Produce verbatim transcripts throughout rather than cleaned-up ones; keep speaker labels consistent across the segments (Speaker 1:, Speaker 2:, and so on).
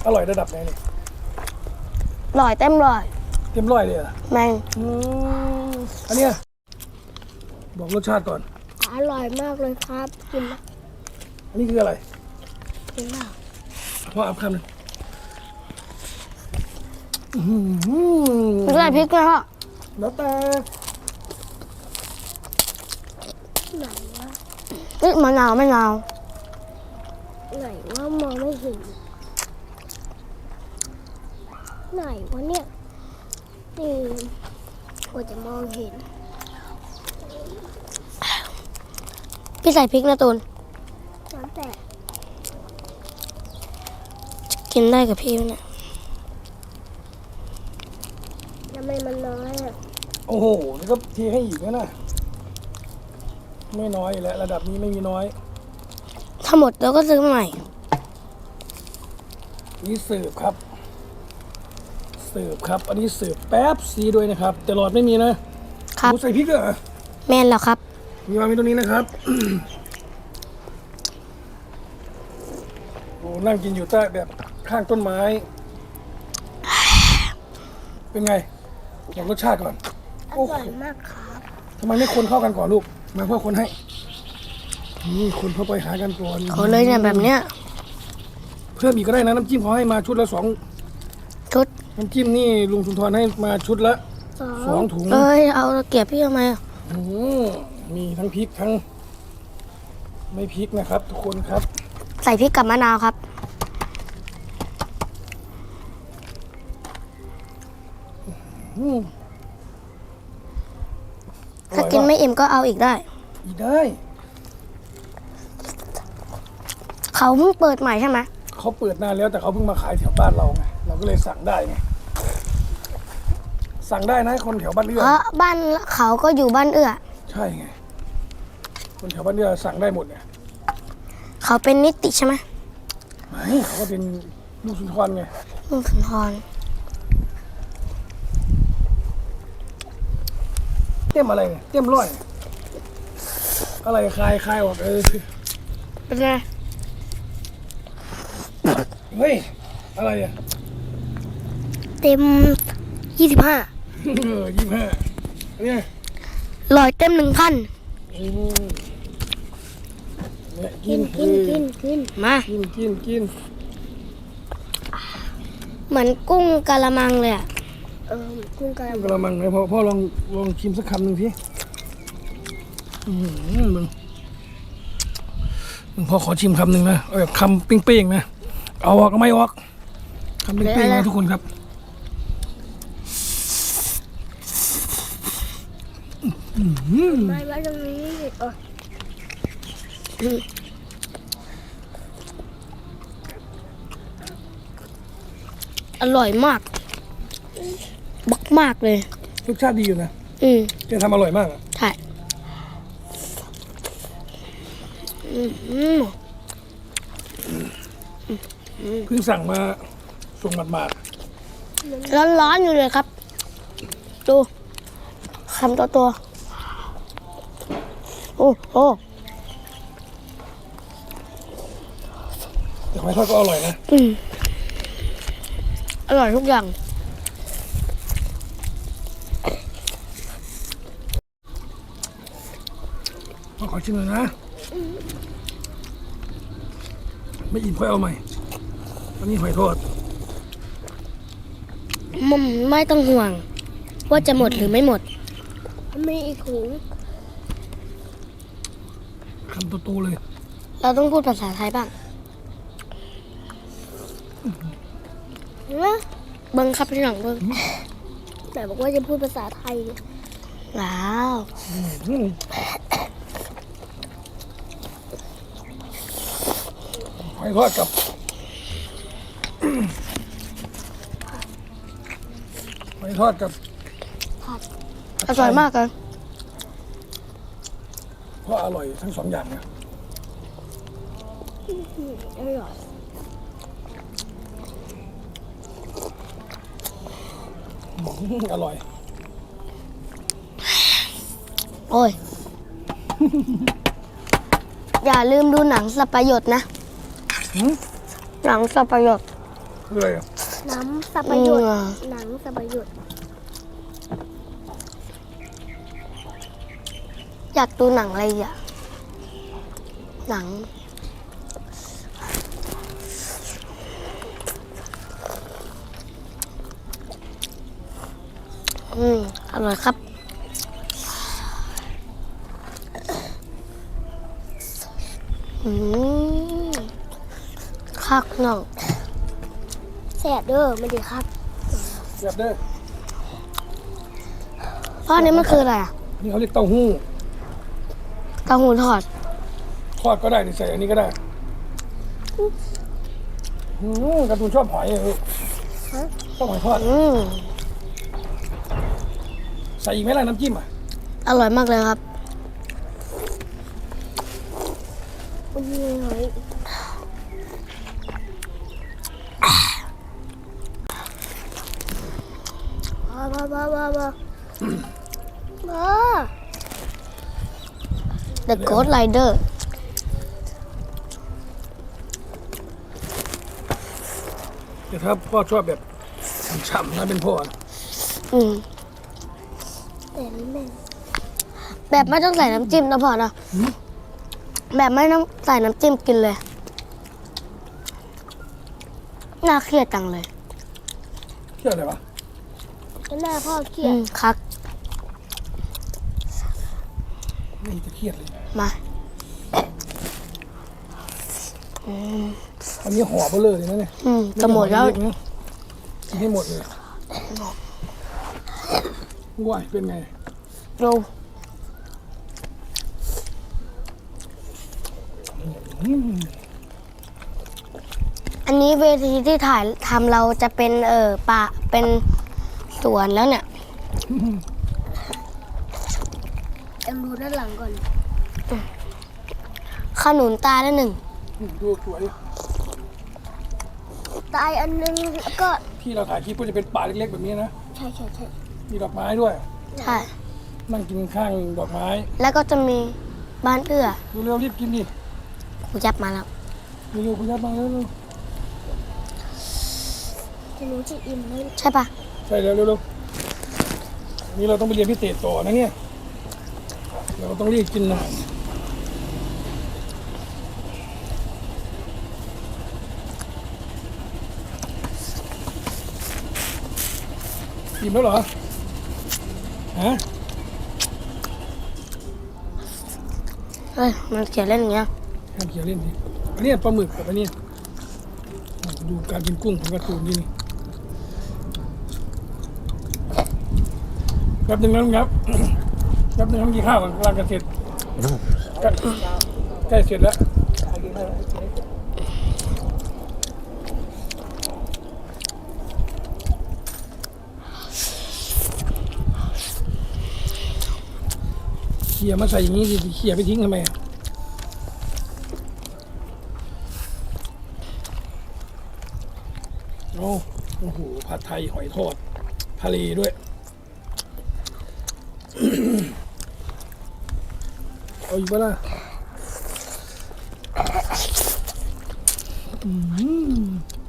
Speaker 1: อร่อยระดับไหนเนี่ย
Speaker 2: อร่อยเต็มร้อย
Speaker 1: เต็มร้อยเลยอ่ะ
Speaker 2: แมง
Speaker 1: อันเนี้ยบอกรสชาติก่อน
Speaker 2: อร่อยมากเลยครับกิน
Speaker 1: อันนี้คืออะไร
Speaker 2: กินมาก
Speaker 1: พ่ออัพคำหนึ่ง
Speaker 2: ไม่ใส่พริกนะฮะ
Speaker 1: แล้วแต่
Speaker 2: ไหนวะนี่มะนาวไม่นาวไหนว่ามองไม่เห็นไหนวะเนี่ยนี่กว่าจะมองเห็นพี่ใส่พริกนะตูนน้ำแตกกินได้กับพี่เนี่ยทำไมมันน้อยอ่ะ
Speaker 1: โอ้โหนี่ก็ทีให้อีกนะนะไม่น้อยแล้วระดับนี้ไม่มีน้อย
Speaker 2: ถ้าหมดเราก็ซื้อใหม่
Speaker 1: นี่เสิร์ฟครับเสิร์ฟครับอันนี้เสิร์ฟแป๊บซีด้วยนะครับแต่หลอดไม่มีนะครับใส่พริกเหรอ
Speaker 2: แม่นแล้วครับ
Speaker 1: มีวางไว้ตรงนี้นะครับโอ้นั่งกินอยู่ใต้แบบข้างต้นไม้เป็นไงบอกรสชาติก่อน
Speaker 2: อร่อยมากครับ
Speaker 1: ทำไมไม่คนเข้ากันก่อนลูกมาพ่อคนให้นี่คนเข้าไปหากันก่อน
Speaker 2: เขาเลยเนี่ยแบบเนี้ย
Speaker 1: เพิ่มอีกก็ได้นะน้ำจิ้มเขาให้มาชุดละสอง
Speaker 2: ชุด
Speaker 1: น้ำจิ้มนี่ลุงสุนทรให้มาชุดละสองถุง
Speaker 2: เอ้ยเอาเก็บพี่ทำไม
Speaker 1: อืมมีทั้งพริกทั้งไม่พริกนะครับทุกคนครับ
Speaker 2: ใส่พริกกับมะนาวครับถ้ากินไม่อิ่มก็เอาอีกได้
Speaker 1: อีกได้
Speaker 2: เขาเพิ่งเปิดใหม่ใช่ไหม
Speaker 1: เขาเปิดนานแล้วแต่เขาเพิ่งมาขายแถวบ้านเราไงเราก็เลยสั่งได้ไงสั่งได้นะคนแถวบ้านเอื้อ
Speaker 2: เพราะบ้านเขาก็อยู่บ้านเอื้อ
Speaker 1: ใช่ไงคนแถวบ้านเอื้อสั่งได้หมดเนี่ย
Speaker 2: เขาเป็นนิติใช่ไหม
Speaker 1: ไม่เขาก็เป็นลูกสุนทรไง
Speaker 2: ลูกสุนทร
Speaker 1: เต็มอะไรเนี่ยเต็มร้อยอะไรคลายคลายออกเออ
Speaker 2: เป็นไง
Speaker 1: เฮ้ยอะไรอ่ะ
Speaker 2: เต็มยี่สิบห้า
Speaker 1: เออยี่สิบห้าเนี่ย
Speaker 2: ลอยเต็มหนึ่งพัน
Speaker 1: เนี่ย
Speaker 2: กินกินกินกินมา
Speaker 1: กินกินกิน
Speaker 2: เหมือนกุ้งกะละมังเลยอ่ะเออกุ้งกะละมัง
Speaker 1: กะละมังเลยพ่อพ่อลองลองชิมสักคำหนึ่งสิอืมมึงมึงพ่อขอชิมคำหนึ่งนะเอาแบบคำเป้งๆนะเอาออกก็ไม่ออกคำเป้งๆนะทุกคนครับ
Speaker 2: ไม่ไว้ตรงนี้อร่อยมากบักมากเลย
Speaker 1: รสชาติดีอยู่นะ
Speaker 2: อืม
Speaker 1: แกทำอร่อยมากอ่ะ
Speaker 2: ใช่
Speaker 1: เพิ่งสั่งมาส่งหมาด
Speaker 2: ๆร้อนๆอยู่เลยครับดูคำตัวตัวโอ้โห
Speaker 1: แต่หอยทอดก็อร่อยนะ
Speaker 2: อืมอร่อยทุกอย่าง
Speaker 1: ขอชิมเลยนะไม่อิ่มค่อยเอาใหม่อันนี้หอยทอด
Speaker 2: มันไม่ต้องห่วงว่าจะหมดหรือไม่หมดมีอีกถุง
Speaker 1: คำโตๆเลย
Speaker 2: เราต้องพูดภาษาไทยบ้างนะบังคับที่หลังเบิ้งแต่บอกว่าจะพูดภาษาไทยว้าว
Speaker 1: หอยทอดกับหอยทอดกับ
Speaker 2: อร่อยมากเลย
Speaker 1: เพราะอร่อยทั้งสองอย่างนะ
Speaker 2: อร่อย
Speaker 1: อร่อย
Speaker 2: โอ้ย อย่าลืมดูหนังสัปยศนะหนังสัปยศ
Speaker 1: คืออะไรอ่ะ
Speaker 2: หนังสับประยุทธ์หนังสับประยุทธ์อยากดูหนังอะไรอ่ะหนังอืมอร่อยครับอืมคักน้องแสบเด้อไม่ดีครับ
Speaker 1: เสียบเด้อ
Speaker 2: พ่อนี้มันคืออะไรอ่ะ
Speaker 1: นี่เขาเรียกเต้าหู้
Speaker 2: เต้าหู้ทอด
Speaker 1: ทอดก็ได้นี่ใส่อันนี้ก็ได้อืมการ์ตูนชอบหอยเออชอบหอยทอด
Speaker 2: อืม
Speaker 1: ใส่อีกไหมล่ะน้ำจิ้มอ่ะ
Speaker 2: อร่อยมากเลยครับอุ้ยหอยบ้าบ้าบ้าบ้าบ้า The Ghost Rider
Speaker 1: แต่ถ้าพ่อชอบแบบฉ่ำๆนะเป็นพ่อนะ
Speaker 2: อืมแบบไม่ต้องใส่น้ำจิ้มนะพ่อนะแบบไม่ต้องใส่น้ำจิ้มกินเลย น่าเครียดจังเลย
Speaker 1: เชื่ออะไรวะ
Speaker 2: หน้าพ่อเครียดครับ
Speaker 1: ไม่จะเครียดเลย
Speaker 2: มา
Speaker 1: อันนี้ห่อเบลอเลยนะเนี่ย
Speaker 2: อืมจะหมดแล้ว
Speaker 1: กินให้หมดเลยว้ายเป็นไง
Speaker 2: ดู
Speaker 1: อืม
Speaker 2: อันนี้เวทีที่ถ่ายทำเราจะเป็นเออป่าเป็นสวนแล้วเนี่ยเอ็มดูด้านหลังก่อนขนุนตายแล้วหนึ่ง
Speaker 1: ดูสวย
Speaker 2: ตายอันนึงแล้วก็
Speaker 1: ที่เราถ่ายคลิปก็จะเป็นป่าเล็กๆแบบนี้นะ
Speaker 2: ใช่ใช่ใช่
Speaker 1: มีดอกไม้ด้วย
Speaker 2: ใช่
Speaker 1: นั่งกินข้างดอกไม้
Speaker 2: แล้วก็จะมีบ้านเอื้อ
Speaker 1: เร็วๆรีบกินดิ
Speaker 2: กูจับมาแล้ว
Speaker 1: เร็วๆคุณยัดมาเร็ว
Speaker 2: จะรู้จะอิ่มไหมใช่ปะ
Speaker 1: ๆใช่แล้วเร็วๆนี่เราต้องไปเรียนพิเศษต่อนะเนี่ยเราต้องรีบกินหน่อยอิ่มแล้วเหรอฮะ
Speaker 2: เฮ้ยมันเขียนเล่นอย่างเงี้ย
Speaker 1: ห้ามเขียนเล่นดิอันนี้ปลาหมึกกับอันนี้ดูการกินกุ้งของการ์ตูนนี่นี่แป๊บหนึงนะครับ แป๊บหนึงทำกินข้าวก่อนกำลังจะเสร็จใกล้ใกล้เสร็จแล้วเขี่ยมาใส่อย่างนี้ดิเขี่ยไปทิ้งทำไมอะโอ้โอ้โหผัดไทยหอยทอดทะเลด้วย เอาอีกปะล่ะอืม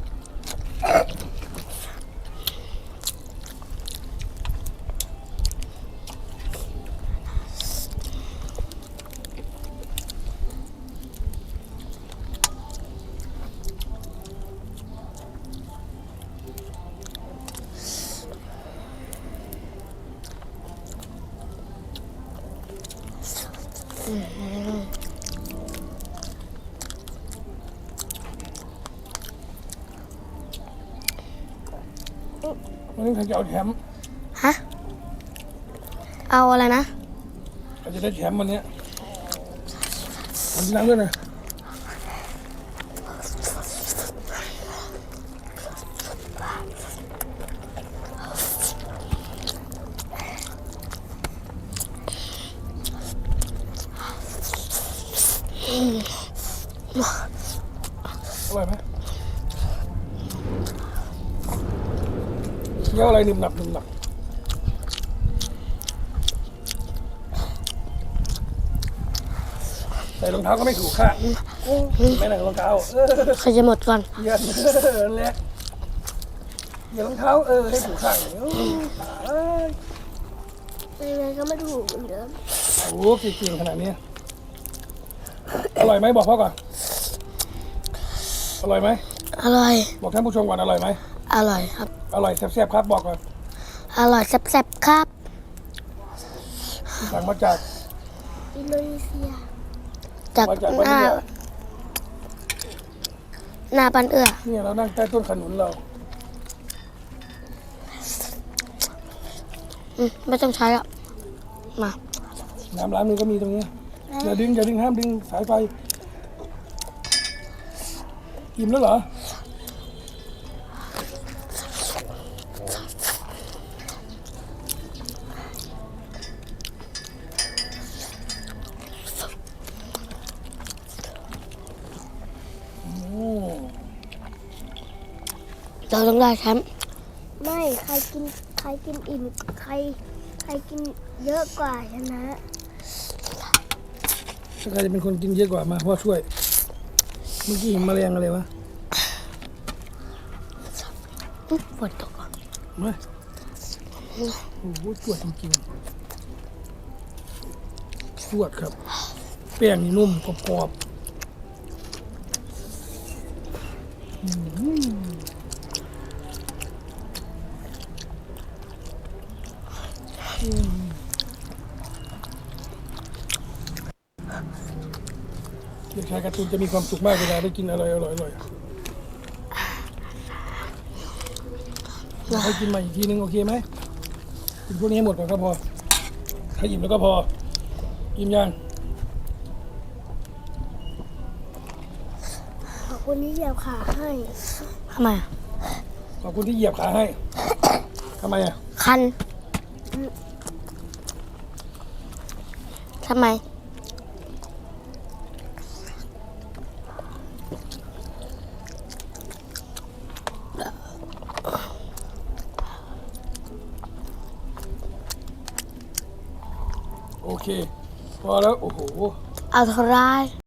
Speaker 1: วันนี้ใครจะเอาแชมป์
Speaker 2: ฮะ เอาอะไรนะ
Speaker 1: ใครจะได้แชมป์วันเนี้ยทำน้ำด้วยนะอร่อยไหมเคี้ยวอะไรหนึบหนับหนึบหนับใส่รองเท้าก็ไม่ถูกค่ะไม่หนังรองเท้าเออ
Speaker 2: ใครจะหมดก่อน
Speaker 1: เยียนนั่นแหละเหยียบรองเท้าเออให้ถูกข้างเดี๋ยวเอ้ย
Speaker 2: ยังไงก็ไม่ถูกเหมือนเดิม
Speaker 1: โอ้โหเก่งๆขนาดนี้อร่อยไหมบอกพ่อก่อนอร่อยไหม
Speaker 2: อร่อย
Speaker 1: บอกท่านผู้ชมก่อนอร่อยไหม
Speaker 2: อร่อยครับ
Speaker 1: อร่อยแซ่บๆครับบอกก่อน
Speaker 2: อร่อยแซ่บๆครับ
Speaker 1: สั่งมาจาก
Speaker 2: อินโดนีเซีย จาก
Speaker 1: มาจาก
Speaker 2: ห
Speaker 1: วัน
Speaker 2: น้า
Speaker 1: นี้
Speaker 2: หน้าปันเอื้อ
Speaker 1: เนี่ยเรานั่งใต้ต้นขนุนเรา
Speaker 2: อืมไม่ต้องใช้อ่ะ มา
Speaker 1: น้ำล้างมือก็มีตรงนี้อย่าดึงอย่าดึงห้ามดึงสายไฟอิ่มแล้วเหรอโอ้
Speaker 2: เราต้องได้แชมป์
Speaker 3: ไม่ใครกินใครกินอิ่มใครใครกินเยอะกว่าชนะ
Speaker 1: ถ้าใครจะเป็นคนกินเยอะกว่ามาพ่อช่วยเมื่อกี้เห็นแมลงอะไรวะ
Speaker 2: อุ๊ยฝนตกอ่ะ
Speaker 1: มาโอ้โหจวดจริงๆจวดครับแป้งนี่นุ่มกรอบๆอืมเด็กชายการ์ตูนจะมีความสุขมากเวลาได้กินอะไรอร่อยๆให้กินใหม่อีกทีนึงโอเคไหมกินพวกนี้ให้หมดก่อนก็พอถ้าอิ่มแล้วก็พออิ่มยัง
Speaker 3: ขอบคุณที่เหยียบขาให้
Speaker 2: ทำไมอ่ะ
Speaker 1: ขอบคุณที่เหยียบขาให้ทำไมอ่ะ
Speaker 2: คันทำไม
Speaker 1: โอเค พอแล้ว โอ้โห
Speaker 2: เอาเท่าไร